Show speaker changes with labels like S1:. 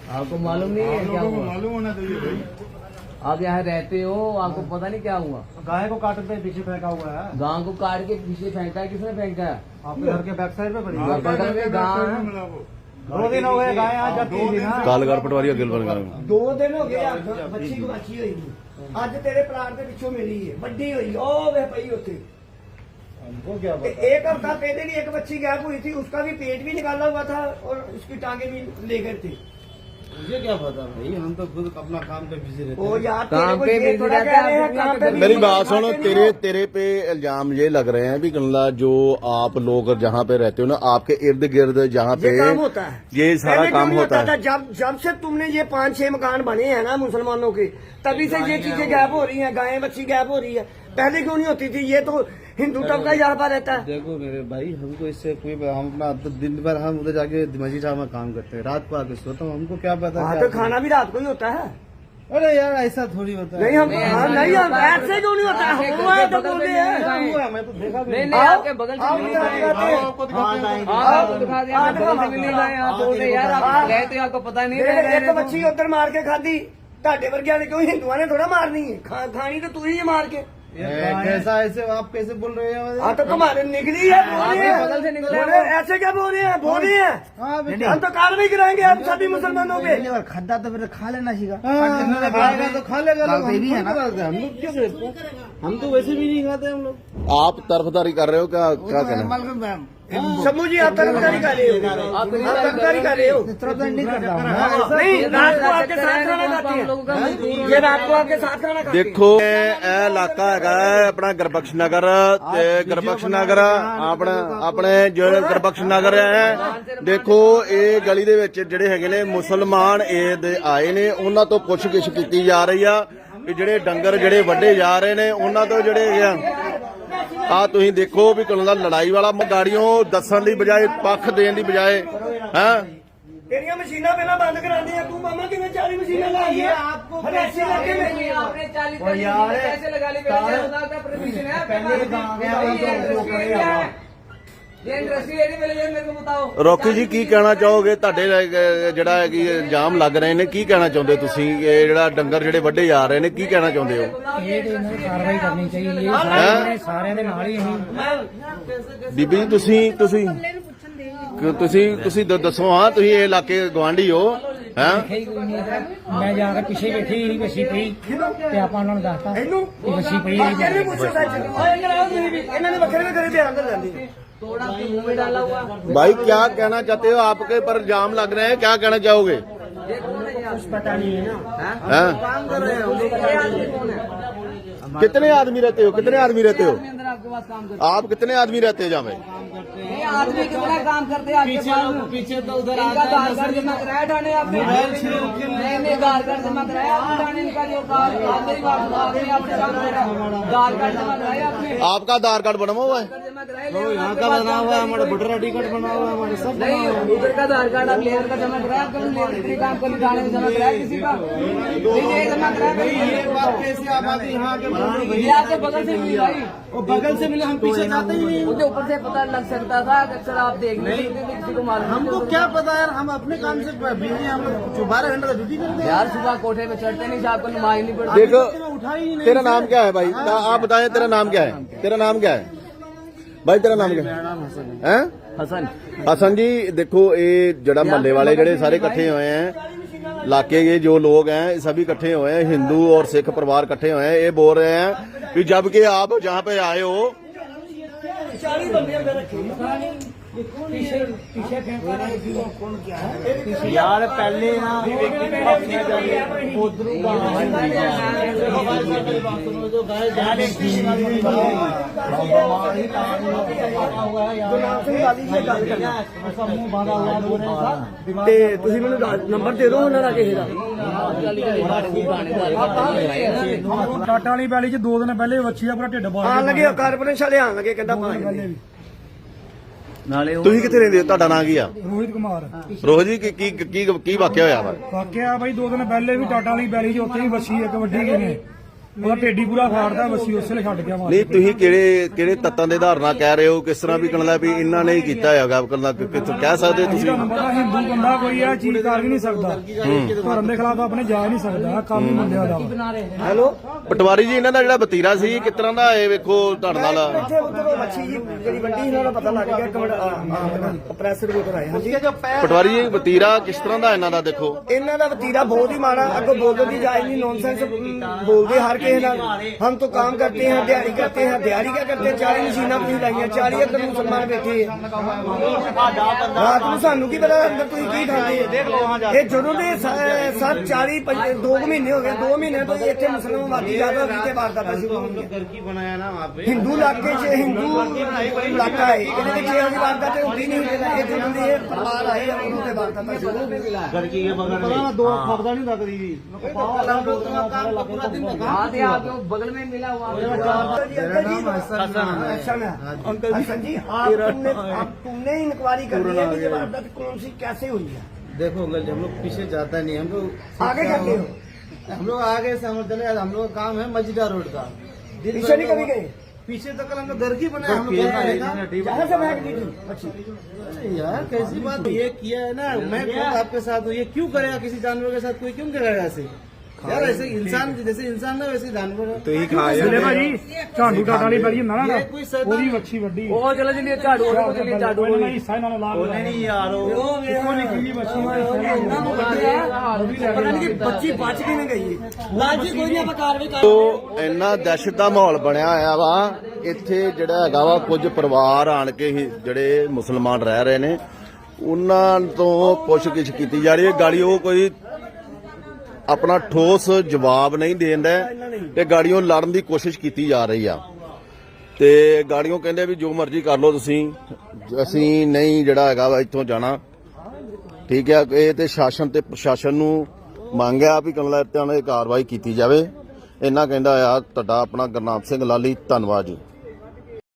S1: आपको मालूम नहीं है क्या हुआ?
S2: मालूम होना चाहिए भाई।
S1: आप यहाँ रहते हो, आपको पता नहीं क्या हुआ?
S2: गाय को काटते पीछे फेंका हुआ है।
S1: गांव को काट के पीछे फेंका है, किसने फेंका है?
S2: आपके घर के बैक साइड पे पड़ी है।
S1: बगल में गांव है।
S2: 2 दिन हो गए गाय आज जब थी ना।
S3: कालगढ़ पटवारी अगिल बन गया
S4: 2 दिन हो गए बच्ची को बची हुई अज तेरे प्लाट के पिछों मिली है बड़ी हुई ओ वे पई होती।
S2: हमको क्या पता।
S4: एक हफ्ता पहले भी एक बच्ची गैप हुई थी, उसका भी पेट भी निकाला हुआ था और उसकी टांगे भी ले गए थे।
S2: मुझे क्या पता भाई, हम तो खुद अपना काम पे बिजी रहते
S4: ओ
S2: हैं।
S4: यार
S1: काम
S4: तेरे
S1: पे
S4: को ये
S1: busy
S4: थोड़ा
S1: रहते
S4: कह
S1: हैं,
S4: रहे हैं
S1: आप
S4: काम पे
S3: मेरी
S4: busy
S3: बात सुनो,
S4: रहते हो।
S3: तेरे पे इल्जाम ये लग रहे हैं भी गंगला जो आप लोग जहाँ पे रहते हो ना, आपके इर्द गिर्द जहाँ पे
S4: ये काम होता है,
S3: ये सारा
S4: पहले क्यों
S3: काम
S4: नहीं
S3: होता
S4: था?
S3: है।
S4: जब से तुमने ये 5-6 मकान बने हैं ना मुसलमानों के, तभी से ये चीजें गैप हो रही हैं, गायें बच्ची गैप हो रही है। पहले क्यों नहीं होती थी? ये तो हिंदू तबका यहाँ पर रहता है।
S2: देखो मेरे भाई, हमको इससे कोई हम अपना तो दिन भर हम उधर जाके मस्जिद साहब में काम करते हैं, रात को आके सोता हूँ, हमको क्या पता।
S4: वहाँ तो खाना भी रात को ही होता है।
S2: अरे यार ऐसा थोड़ी होता है।
S4: नहीं हम नहीं हम ऐसे क्यों नहीं होता है? हुआ है तो बोले हैं।
S2: हुआ, मैं तो देखा भी
S1: नहीं
S2: नहीं।
S1: नहीं, आपके बगल से
S4: आओ,
S1: मिली
S4: आओ,
S1: गाय।
S4: आओ, आओ,
S1: आपको दिखा दिया, आपके बगल से मिली गाय। आप बोल रहे यार, आप गए थे, आपको पता नहीं रह
S4: एक बच्ची उधर मार के खाधी, ढाडे वर्गिया ने क्यों हिंदुआ ने थोड़ा मारनी है? खानी तो तू ही है मार के।
S2: कैसा ऐसे आप कैसे बोल रहे हैं?
S4: हाँ तो तुम्हारे निकली है, बोल रहे हैं।
S1: बगल से निकला है
S4: बोल रहे हैं, ऐसे क्या बोल रहे हैं? बोल रहे हैं
S2: हाँ बेटा,
S4: हम तो कार्रवाई कराएंगे हम सभी मुसलमानों पे।
S5: खड्डा तो फिर खा लेना सीखा।
S2: खाएगा तो खा लेगा लोग,
S5: गाँव पे भी है ना।
S2: हम लोग क्यों करते हैं? हम तो वैसे भी नहीं खाते हम लोग।
S3: आप तरफदारी कर रहे हो, क्या क्या कहना?
S4: शम्भू जी आप तरफदारी कर रहे हो, आप तरफदारी कर रहे हो।
S5: नहीं करता हूँ।
S4: नहीं रात को आपके साथ खाना खाते हैं, ये रात को आपके साथ खाना खाते हैं।
S3: देखो ਇਹ ਇਲਾਕਾ ਹੈਗਾ ਆਪਣਾ ਗੁਰਬਖਸ਼ ਨਗਰ ਤੇ ਗੁਰਬਖਸ਼ ਨਗਰ ਆਪਣੇ ਜਿਹੜੇ ਗੁਰਬਖਸ਼ ਨਗਰ ਹੈ, ਦੇਖੋ ਇਹ ਗਲੀ ਦੇ ਵਿੱਚ ਜਿਹੜੇ ਹੈਗੇ ਨੇ ਮੁਸਲਮਾਨ ਇਹ ਦੇ ਆਏ ਨੇ, ਉਹਨਾਂ ਤੋਂ ਪੁੱਛਗਿੱਛ ਕੀਤੀ ਜਾ ਰਹੀ ਆ ਕਿ ਜਿਹੜੇ ਡੰਗਰ ਜਿਹੜੇ ਵੱਡੇ ਜਾ ਰਹੇ ਨੇ ਉਹਨਾਂ ਤੋਂ ਜਿਹੜੇ ਹੈਗੇ ਆ ਤੁਸੀਂ ਦੇਖੋ ਵੀ ਕੋਲੋਂ ਦਾ ਲੜਾਈ ਵਾਲਾ ਗਾੜੀਆਂ ਦੱਸਣ ਦੀ ਬਜਾਏ ਪੱਖ ਦੇਣ ਦੀ ਬਜਾਏ ਹੈ।
S4: तेरिया मशीना पहला बंद करा दी है, तू मामा कितने 40 मशीना लाई है आपको ऐसे इलाके में?
S1: आपने 40 पैसे लगा लिए, का परमिशन है? ये इंडस्ट्री एरिया में मेरे को बताओ।
S3: ਰੋਕੀ ਜੀ ਕੀ ਕਹਿਣਾ ਚਾਹੋਗੇ? ਤੁਹਾਡੇ ਜਿਹੜਾ ਹੈ ਕਿ ਇਲਜ਼ਾਮ ਲੱਗ ਰਹੇ ਨੇ, ਕੀ ਕਹਿਣਾ ਚਾਹੁੰਦੇ ਤੁਸੀਂ? ਇਹ ਜਿਹੜਾ ਡੰਗਰ ਜਿਹੜੇ ਵੱਡੇ ਜਾ ਰਹੇ ਨੇ, ਕੀ ਕਹਿਣਾ ਚਾਹੁੰਦੇ ਹੋ?
S5: ਇਹ ਤੇ ਇਹਨਾਂ ਦੀ ਕਾਰਵਾਈ ਕਰਨੀ ਚਾਹੀਦੀ ਹੈ। ਸਾਰਿਆਂ ਦੇ ਨਾਲ ਹੀ ਅਸੀਂ
S3: ਬੀਬੀ ਜੀ ਤੁਸੀਂ ਦੱਸੋ, ਹਾਂ ਤੁਸੀਂ ਇਹ ਇਲਾਕੇ ਗਵਾਂਢੀ ਹੋ ਹੈ?
S5: ਦੇਖਿਆ ਕੋਈ ਨਹੀਂ ਹੈ। ਮੈਂ ਜਾ ਕੇ ਪਿੱਛੇ ਬੈਠੀ ਸੀ, ਵੱਛੀ ਪਈ ਤੇ ਆਪਾਂ ਉਹਨਾਂ ਨੂੰ ਦੱਸਤਾ ਕਿ ਵੱਛੀ ਪਈ ਹੈ।
S4: कहने पूछो सच इन्होंने बकरे में करे बयान कर जाते
S1: थोड़ा आपके मुंह में डाला हुआ।
S3: भाई क्या कहना चाहते हो? आपके पर इल्जाम लग रहे हैं, क्या कहना चाहोगे?
S4: कुछ पता नहीं है ना,
S3: हैं?
S4: काम कर रहे हैं।
S3: कितने आदमी रहते हो? कितने आदमी रहते हो?
S1: अंदर आपके पास काम करते
S3: आप कितने आदमी रहते हो जहाँ पे?
S1: हैं आदमी कितना काम करते हैं आपके पास?
S2: पीछे तो उधर
S1: इनका आधार कार्ड जमा कराया थाने आपने? नहीं आधार कार्ड जमा कराया आपने थाने का? जो आधार कार्ड जमा कराया आपने?
S3: आपका आधार कार्ड बना हुआ है?
S1: जमा कराया
S2: यहाँ का बना हुआ है, हमारा वोटर आई डी कार्ड बना हुआ है, हमारे सब बना हुआ है।
S1: नहीं, उधर का आधार कार्ड आप लेबर का जमा कराया? आपका लेबर के काम को थाने में जमा कराया किसी का? नहीं जमा कराया।
S2: ये बात कैसे आप आके यहाँ के बोल रहे हो?
S1: ये आपके बगल से मिली भाई,
S2: वो बगल से मिले, हम पीछे जाते ही नहीं।
S1: मुझे ऊपर से पता लग सकता था कि अक्सर आप देख नहीं किसी को मालूम
S2: हमको क्या पता यार, हम अपने काम से बिजी हैं, हम लोग 12 घंटे का ड्यूटी करते हैं।
S1: यार सुबह कोठे पे चढ़ते नहीं, आपको नुमाई नहीं पड़ती।
S3: देखो
S2: उठा ही नहीं।
S3: तेरा नाम क्या है भाई? आप बताएं, तेरा नाम क्या है? तेरा नाम क्या है भाई? तेरा नाम क्या है?
S1: हसन
S3: हसन जी देखो, ये जड़ा मोहल्ले वाले जड़े सारे इकट्ठे हुए हैं, इलाके के जो लोग हैं सभी इकट्ठे हुए हैं, हिंदू और सिख परिवार इकट्ठे हुए हैं, ये बोल रहे हैं कि जबकि आप जहाँ पे आए हो
S4: 40 बंदे अंदर रखे
S2: यार पहले ना
S4: ਤੇ ਤੁਸੀਂ ਮੈਨੂੰ ਨੰਬਰ ਦੇ ਦਿਓ ਉਹਨਾਂ ਦਾ ਕਿਸੇ ਦਾ।
S5: ਟਾਟਾ ਵਾਲੀ ਪੈਲੀ ਚ 2 ਦਿਨ ਪਹਿਲੇ ਵੱਛੀ ਦਾ ਪੂਰਾ ਢਿੱਡ ਬਾਹਰ
S4: ਆਣ ਲੱਗੇ ਕਾਰਪੋਰੇਸ਼ਨ ਵਾਲੇ ਆਣ ਲੱਗੇ, ਕਹਿੰਦਾ ਪਾਣੀ
S3: ਤੁਸੀਂ ਕਿੱਥੇ ਰਹਿੰਦੇ ਹੋ? ਤੁਹਾਡਾ ਨਾਂ ਕੀ ਆ?
S5: ਰੋਹਿਤ ਕੁਮਾਰ
S3: ਰੋਹ ਜੀ ਕੀ ਵਾਕਿਆ ਹੋਇਆ ਵਾ?
S5: ਵਾਕਿਆ ਬਾਈ 2 ਦਿਨ ਪਹਿਲੇ ਵੀ ਟਾਟਾ ਵਾਲੀ ਪੈਲੀ ਚ ਉੱਥੇ ਹੀ ਵੱਛੀ ਇੱਕ ਵੱਡੀ ਗਈ ਨੇ ਉਹਦਾ ਢੇਡੀ ਪੂਰਾ ਫਾੜਦਾ ਬੱਸੀ ਉਸੇ ਲਈ ਛੱਡ ਗਿਆ ਮਾਰ
S3: ਨਹੀਂ ਤੁਸੀਂ ਕਿਹੜੇ ਤੱਤਾਂ ਦੇ ਆਧਾਰ ਨਾਲ ਕਹਿ ਰਹੇ ਹੋ, ਕਿਸ ਤਰ੍ਹਾਂ ਵੀ ਕਹਿੰਦਾ ਵੀ ਇਹਨਾਂ ਨੇ ਹੀ ਕੀਤਾ ਹੈਗਾ ਕਹਿੰਦਾ ਕਹਿ ਸਕਦੇ ਤੁਸੀਂ?
S5: ਤੁਹਾਨੂੰ ਪਤਾ ਹਿੰਦੂ ਬੰਦਾ ਕੋਈ ਇਹ ਚੀਜ਼ ਕਰ ਵੀ ਨਹੀਂ ਸਕਦਾ, ਧਰਮ ਦੇ ਖਿਲਾਫ ਆਪਣੇ ਜਾ ਨਹੀਂ ਸਕਦਾ, ਕੰਮ ਹੀ ਮੁੰਡਿਆਂ ਦਾ ਵਾ।
S4: ਹੈਲੋ
S3: ਪਟਵਾਰੀ ਜੀ, ਇਹਨਾਂ ਦਾ ਜਿਹੜਾ ਵਤੀਰਾ ਸੀ ਕਿਸ ਤਰ੍ਹਾਂ ਦਾ ਇਹ ਵੇਖੋ ਤੁਹਾਡੇ ਨਾਲ
S4: ਇੱਥੇ ਉਧਰ ਮੱਛੀ ਜੀ ਜਿਹੜੀ ਵੱਡੀ ਇਹਨਾਂ ਦਾ ਪਤਾ ਲੱਗ ਗਿਆ ਕੰਪਰੈਸਰ ਵੀ ਉਧਰ ਆਏ ਹਾਂਜੀ
S3: ਪਟਵਾਰੀ ਜੀ ਵਤੀਰਾ ਕਿਸ ਤਰ੍ਹਾਂ ਦਾ ਇਹਨਾਂ ਦਾ ਦੇਖੋ?
S4: ਇਹਨਾਂ ਦਾ ਵਤੀਰਾ ਬਹੁਤ ही माड़ा, अगर बोलने की जायज नहीं, नॉनसेंस बोलते हर के हम तो काम करते हैं, दिहाड़ी करते हैं, दिहाड़ी क्या करते हैं, 40 मशीना तुम लाइया, 40 अंदर मुसलमान बैठे रात को सानू की पता अंदर तुम की खाते ये जो 40 2 महीने हो गए, 2 महीने तो इतने मुसलमान आबादी ज्यादा होगी वारदात शुरू होंगी। हिंदू इलाके च हिंदू इलाका है, ये वारदात होती नहीं, ये जो परिवार आए उन्होंने वारदात शुरू हो गई।
S2: नहीं लगती थी
S1: हाँ थे आपके वो बगल में मिला हुआ
S4: तुमने इंक्वायरी कर दी है कि ये वारदात कौन सी कैसे हुई है?
S2: देखो अंकल जी, हम लोग पीछे जाता नहीं, हम लोग
S4: आगे करते हो,
S2: हम लोग आगे से हम चले, हम लोग का काम है मस्जिदा रोड का।
S4: पीछे नहीं कभी गए?
S2: पीछे तो कल हम लोग घर की बनाए, हम लोग
S4: जहाँ से महक दी थी अच्छी
S2: यार कैसी बात, ये किया है ना, मैं खुद आपके साथ हूँ, ये क्यों करेगा किसी जानवर के साथ, कोई क्यों करेगा ऐसे यार? ऐसे इंसान जैसे इंसान ना वैसे जानवर है।
S5: ਸੁਣੇ ਭਾਜੀ ਝਾੜੂ ਟਾਟਾ ਵਾਲੀ ਬੜੀ ਹੁੰਦਾ ਨਾ
S2: ये कोई सर
S5: ਉਹਦੀ ਵੱਛੀ ਵੱਡੀ
S1: वो चलो चलिए झाड़ू वो चलिए झाड़ू
S5: ਉਹਨਾਂ ਹੀ ਹਿੱਸਾ ਇਹਨਾਂ ਨੂੰ ਲਾ
S2: बोले नहीं यार
S5: ਉਹ ਨਿਕਲੀ ਵੱਛੀ
S4: पता नहीं कि बच्ची बच के नहीं गई लाजी कोई नहीं आप कार्रवाई कर
S3: ਤੋ ਇੰਨਾ ਦਹਿਸ਼ਤ ਦਾ ਮਾਹੌਲ ਬਣਿਆ ਹੋਇਆ ਵਾ ਇੱਥੇ ਜਿਹੜਾ ਹੈਗਾ ਵਾ ਕੁਝ ਪਰਿਵਾਰ ਆਣ ਕੇ ਹੀ ਜਿਹੜੇ ਮੁਸਲਮਾਨ ਰਹਿ ਰਹੇ ਨੇ ਉਹਨਾਂ ਤੋਂ ਪੁੱਛਗਿੱਛ ਕੀਤੀ ਜਾ ਰਹੀ ਹੈ। ਗਾੜੀ ਉਹ ਕੋਈ ਆਪਣਾ ਠੋਸ ਜਵਾਬ ਨਹੀਂ ਦੇਂਦਾ ਤੇ ਗਾੜੀਆਂ ਲੜਨ ਦੀ ਕੋਸ਼ਿਸ਼ ਕੀਤੀ ਜਾ ਰਹੀ ਆ ਤੇ ਗਾੜੀਆਂ ਕਹਿੰਦੇ ਵੀ ਜੋ ਮਰਜ਼ੀ ਕਰ ਲਓ ਤੁਸੀਂ, ਅਸੀਂ ਨਹੀਂ ਜਿਹੜਾ ਹੈਗਾ ਵਾ ਇੱਥੋਂ ਜਾਣਾ। ਠੀਕ ਹੈ, ਇਹ ਤੇ ਸ਼ਾਸਨ ਤੇ ਪ੍ਰਸ਼ਾਸਨ ਨੂੰ ਮੰਗ ਆ ਵੀ ਕਮਲਾ ਤੇ ਕਾਰਵਾਈ ਕੀਤੀ ਜਾਵੇ। ਇੰਨਾ ਕਹਿੰਦਾ ਆ ਤੁਹਾਡਾ ਆਪਣਾ ਗੁਰਨਾਮ ਸਿੰਘ ਲਾਲੀ, ਧੰਨਵਾਦ ਜੀ।